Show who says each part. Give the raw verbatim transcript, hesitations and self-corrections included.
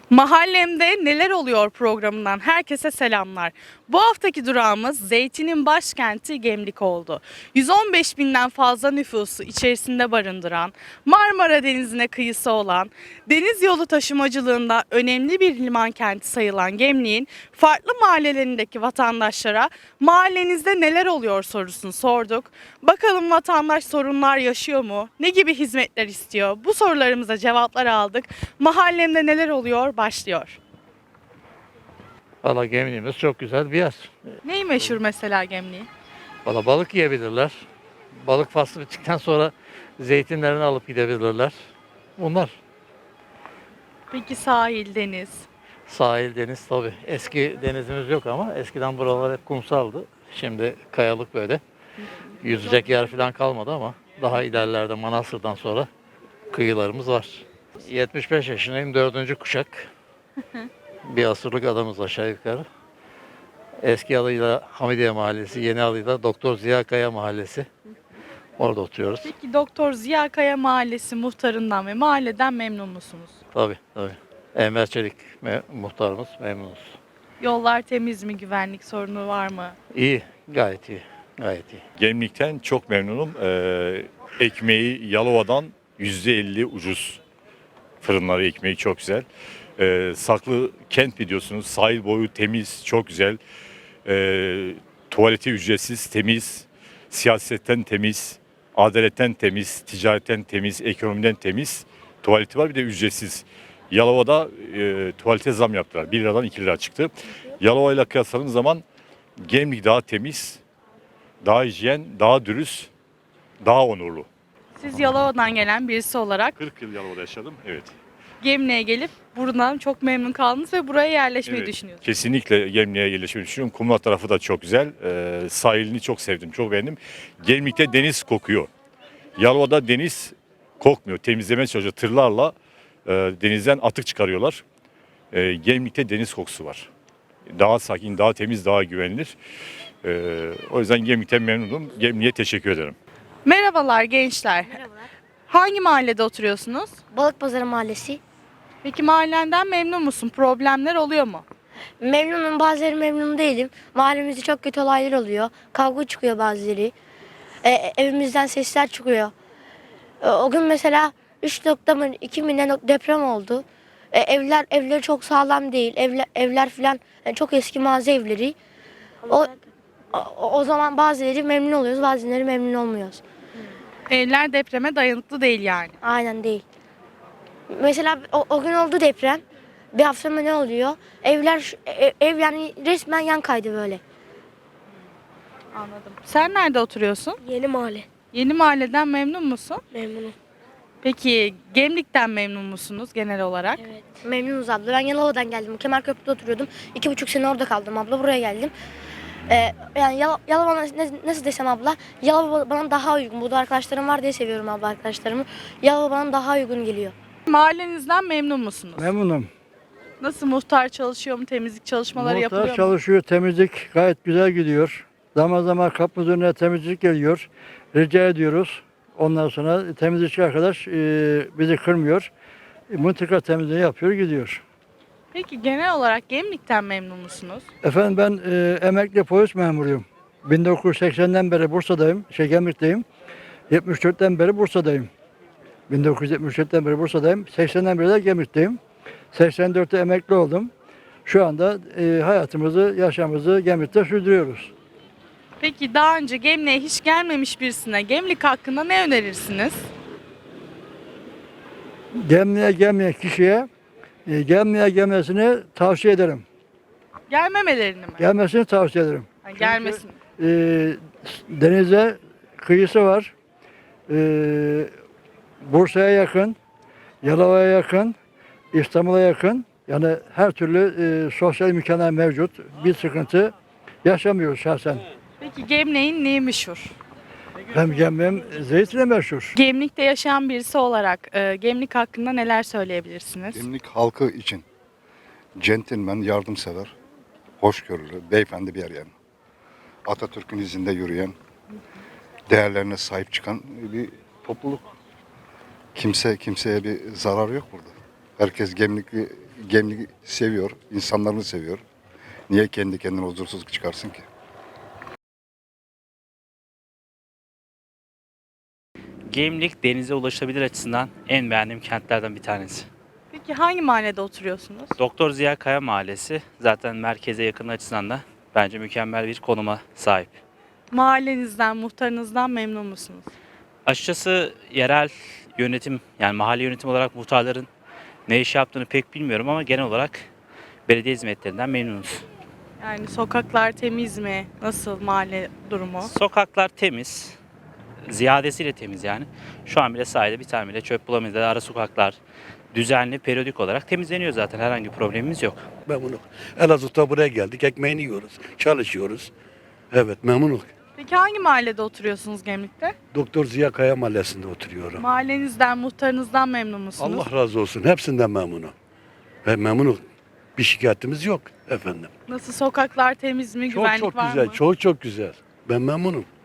Speaker 1: Mahallemde Neler Oluyor programından herkese selamlar. Bu haftaki durağımız zeytinin başkenti Gemlik oldu. yüz on beş binden fazla nüfusu içerisinde barındıran, Marmara Denizi'ne kıyısı olan, deniz yolu taşımacılığında önemli bir liman kenti sayılan Gemlik'in farklı mahallelerindeki vatandaşlara mahallenizde neler oluyor sorusunu sorduk. Bakalım vatandaş sorunlar yaşıyor mu? Ne gibi hizmetler istiyor? Bu sorularımıza cevaplar aldık. Mahallemde neler oluyor başlıyor.
Speaker 2: Valla Gemliğimiz çok güzel bir yer.
Speaker 1: Neyi meşhur mesela Gemlik'in?
Speaker 2: Valla balık yiyebilirler. Balık faslı bittikten sonra zeytinlerini alıp gidebilirler. Bunlar.
Speaker 1: Peki sahil, deniz.
Speaker 2: Sahil, deniz tabii. Eski denizimiz yok ama eskiden buralar hep kumsaldı. Şimdi kayalık böyle. Yüzecek yer falan kalmadı ama daha ilerlerde Manastır'dan sonra kıyılarımız var. yetmiş beş yaşındayım, dördüncü kuşak. Bir asırlık adamız aşağı yukarı. Eski adıyla Hamidiye Mahallesi, yeni adıyla Doktor Ziya Kaya Mahallesi. Orada oturuyoruz.
Speaker 1: Peki Doktor Ziya Kaya Mahallesi muhtarından ve mahalleden memnun musunuz?
Speaker 2: Tabii tabii. Enver Çelik me- muhtarımız, memnunuz.
Speaker 1: Yollar temiz mi? Güvenlik sorunu var mı?
Speaker 2: İyi, gayet iyi, gayet iyi.
Speaker 3: Gemlik'ten çok memnunum. Ee, ekmeği Yalova'dan yüzde elli ucuz. Fırınları ekmeği çok güzel. Ee, Saklı kent biliyorsunuz. Sahil boyu temiz, çok güzel. Ee, tuvaleti ücretsiz, temiz. Siyasetten temiz. Adaletten temiz. Ticaretten temiz. Ekonomiden temiz. Tuvaleti var, bir de ücretsiz. Yalova'da e, tuvalete zam yaptılar. bir liradan iki lira çıktı. Yalova ile kıyasladığım zaman Gemlik daha temiz, daha hijyen, daha dürüst, daha onurlu.
Speaker 1: Siz Yalova'dan gelen birisi olarak
Speaker 3: kırk yıl Yalova'da yaşadım. Evet.
Speaker 1: Gemlik'e gelip buradan çok memnun kaldınız ve buraya yerleşmeyi
Speaker 3: Evet,
Speaker 1: düşünüyorsunuz.
Speaker 3: kesinlikle Gemlik'e yerleşmeyi düşünüyorum. Kumla tarafı da çok güzel. Ee, sahilini çok sevdim, çok beğendim. Gemlik'te deniz kokuyor. Yalova'da deniz kokmuyor. Temizlemeye çalışıyor. Tırlarla e, denizden atık çıkarıyorlar. E, Gemlik'te deniz kokusu var. Daha sakin, daha temiz, daha güvenilir. E, o yüzden Gemlik'ten memnunum. Gemlik'e teşekkür ederim.
Speaker 1: Merhabalar gençler.
Speaker 4: Merhabalar.
Speaker 1: Hangi mahallede oturuyorsunuz?
Speaker 4: Balıkpazarı Mahallesi.
Speaker 1: Peki mahallenden memnun musun? Problemler oluyor mu?
Speaker 4: Memnunum, bazıları memnun değilim. Mahallemizde çok kötü olaylar oluyor. Kavga çıkıyor bazıları. E, evimizden sesler çıkıyor. E, o gün mesela üç nokta mı iki mi ne deprem oldu. E, evler evleri çok sağlam değil. Evler, evler falan yani çok eski mağaza evleri. O, o, o zaman bazıları memnun oluyoruz, bazıları memnun olmuyoruz.
Speaker 1: Evler depreme dayanıklı değil yani.
Speaker 4: Aynen değil. Mesela o, o gün oldu deprem. Bir hafta mı ne oluyor? Evler şu- ev, ev yani resmen yan kaydı böyle.
Speaker 1: Anladım. Sen nerede oturuyorsun?
Speaker 4: Yeni mahalle.
Speaker 1: Yeni mahalleden memnun musun?
Speaker 4: Memnunum.
Speaker 1: Peki Gemlik'ten memnun musunuz genel olarak?
Speaker 4: Evet. Memnunuz abla. Ben Yalova'dan geldim. Kemerköprü'de oturuyordum. İki buçuk sene orada kaldım abla. Buraya geldim. Ee, yani Yalo- Yalova nasıl, nasıl desem abla? Yalova bana daha uygun. Burada arkadaşlarım var diye seviyorum abla arkadaşlarımı. Yalova bana daha uygun geliyor.
Speaker 1: Mahallenizden memnun musunuz?
Speaker 5: Memnunum.
Speaker 1: Nasıl muhtar çalışıyor mu? Temizlik çalışmaları yapılıyor
Speaker 5: Muhtar
Speaker 1: mu?
Speaker 5: çalışıyor, temizlik gayet güzel gidiyor. Zaman zaman kapımızın önüne temizlik geliyor. Rica ediyoruz. Ondan sonra temizlikçi arkadaş e, bizi kırmıyor. E, Mıntıka temizliği yapıyor, gidiyor.
Speaker 1: Peki genel olarak Gemlik'ten memnun musunuz?
Speaker 5: Efendim ben e, emekli polis memuruyum. bin dokuz yüz seksenden beri Bursa'dayım, şey Gemlik'teyim. yetmiş dörtten beri Bursa'dayım. bin dokuz yüz yetmiş dörtten beri Bursa'dayım. seksenden beri de Gemlik'teyim. seksen dörtte emekli oldum. Şu anda e, hayatımızı, yaşamımızı Gemlik'te sürdürüyoruz.
Speaker 1: Peki daha önce Gemlik'e hiç gelmemiş birisine Gemlik hakkında ne önerirsiniz?
Speaker 5: Gemliğe gelmeyen kişiye e, gemliğe gelmesini tavsiye ederim.
Speaker 1: Gelmemelerini mi?
Speaker 5: Gelmesini tavsiye ederim.
Speaker 1: Ha, gelmesin.
Speaker 5: E, denize kıyısı var. E, Bursa'ya yakın, Yalova'ya yakın, İstanbul'a yakın. Yani her türlü e, sosyal imkanlar mevcut. Bir sıkıntı yaşamıyoruz şahsen.
Speaker 1: Peki Gemlik'in neyi meşhur?
Speaker 5: Hem gemliğim zeytine meşhur.
Speaker 1: Gemlik'te yaşayan birisi olarak e, Gemlik hakkında neler söyleyebilirsiniz?
Speaker 6: Gemlik halkı için centilmen, yardımsever, hoşgörülü, beyefendi bir yer yani. Atatürk'ün izinde yürüyen, değerlerine sahip çıkan bir topluluk. Kimse kimseye bir zarar yok burada. Herkes Gemlikli Gemlik seviyor, insanlarını seviyor. Niye kendi kendine huzursuzluk çıkarsın ki?
Speaker 7: Gemlik denize ulaşabilir açısından en beğendiğim kentlerden bir tanesi.
Speaker 1: Peki hangi mahallede oturuyorsunuz?
Speaker 7: Doktor Ziya Kaya Mahallesi zaten merkeze yakın açısından da bence mükemmel bir konuma sahip.
Speaker 1: Mahallenizden, muhtarınızdan memnun musunuz?
Speaker 7: Açıkçası yerel yönetim yani mahalle yönetim olarak muhtarların ne iş yaptığını pek bilmiyorum ama genel olarak belediye hizmetlerinden memnunuz.
Speaker 1: Yani sokaklar temiz mi? Nasıl mahalle durumu?
Speaker 7: Sokaklar temiz, ziyadesiyle temiz yani. Şu an bile sahilde bir tane bile çöp bulamayız. Ara sokaklar düzenli, periyodik olarak temizleniyor zaten. Herhangi bir problemimiz yok.
Speaker 8: Memnunum. Elazığ'da buraya geldik. Ekmeğini yiyoruz. Çalışıyoruz. Evet memnunum.
Speaker 1: Peki hangi mahallede oturuyorsunuz Gemlik'te?
Speaker 8: Doktor Ziya Kaya Mahallesi'nde oturuyorum.
Speaker 1: Mahallenizden, muhtarınızdan memnun musunuz?
Speaker 8: Allah razı olsun. Hepsinden memnunum. Ve memnunum. Bir şikayetimiz yok efendim.
Speaker 1: Nasıl sokaklar temiz mi?
Speaker 8: Çok
Speaker 1: Güvenlik
Speaker 8: çok
Speaker 1: var
Speaker 8: güzel.
Speaker 1: mı?
Speaker 8: Çok çok güzel. Ben memnunum.